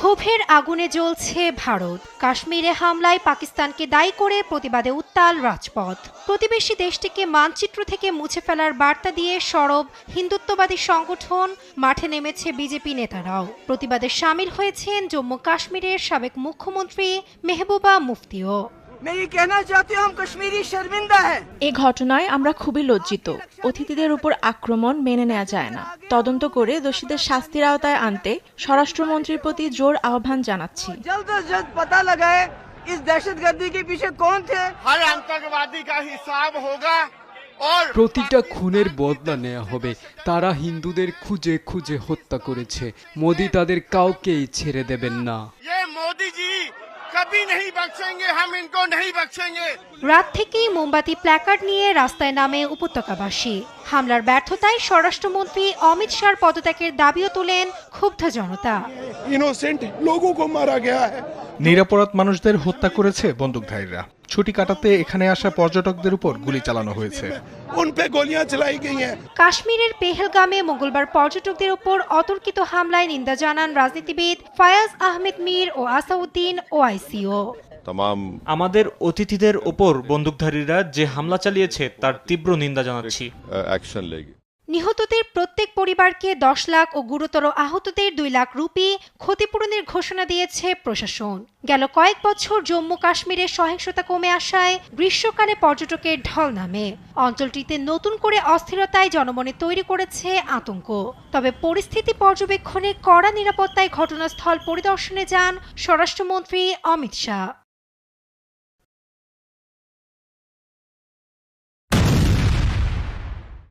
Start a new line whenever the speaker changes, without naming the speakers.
ক্ষোভের আগুনে জ্বলছে ভারত। কাশ্মীরে হামলায় পাকিস্তানকে দায়ী করে প্রতিবাদে উত্তাল রাজপথ। প্রতিবেশী দেশটিকে মানচিত্র থেকে মুছে ফেলার বার্তা দিয়ে সরব হিন্দুত্ববাদী সংগঠন, মাঠে নেমেছে বিজেপি নেতারাও। প্রতিবাদে শামিল হয়েছেন জম্মু কাশ্মীরের সাবেক মুখ্যমন্ত্রী মেহবুবা মুফতিও।
এ ঘটনায় আমরা খুবই লজ্জিত। অতিথিদের উপর আক্রমণ মেনে নেওয়া যায় না। তদন্ত করে দোষীদের শাস্তির আওতায় আনতে স্বরাষ্ট্রমন্ত্রীর প্রতি জোর আহ্বান জানাচ্ছি।
প্রতিটা খুনের বদলা নেওয়া হবে। তারা হিন্দুদের খুঁজে খুঁজে হত্যা করেছে। মোদি তাদের কাউকেই ছেড়ে দেবেন না।
রাত থেকেই মোমবাতি প্ল্যাকার্ড নিয়ে রাস্তায় নামে উপত্যকাবাসী। হামলার ব্যর্থতায় স্বরাষ্ট্রমন্ত্রী অমিত শাহর পদত্যাগের দাবিও তোলেন ক্ষুব্ধ জনতা।
নিরপরাধ মানুষদের হত্যা করেছে বন্দুকধারীরা। ছুটি কাটাতে এখানে আসা পর্যটকদের উপর গুলি চালানো হয়েছে।
কাশ্মীরের পেহেলগামে মঙ্গলবার পর্যটকদের উপর অতর্কিত হামলায় নিন্দা জানান রাজনীতিবিদ ফায়াজ আহমেদ মীর ও আসাউদ্দিন ওআইসিও।
আমাদের অতিথিদের ওপর বন্দুকধারীরা যে হামলা চালিয়েছে তার তীব্র নিন্দা জানাচ্ছি।
নিহতদের প্রত্যেক পরিবারকে 10 লাখ ও গুরুতর আহতদের 2 লাখ রুপি ক্ষতিপূরণের ঘোষণা দিয়েছে প্রশাসন। গেল কয়েক বছর জম্মু কাশ্মীরের সহিংসতা কমে আসায় গ্রীষ্মকালে পর্যটকের ঢল নামে। অঞ্চলটিতে নতুন করে অস্থিরতায় জনমনে তৈরি করেছে আতঙ্ক। তবে পরিস্থিতি পর্যবেক্ষণে কড়া নিরাপত্তায় ঘটনাস্থল পরিদর্শনে যান স্বরাষ্ট্রমন্ত্রী অমিত শাহ।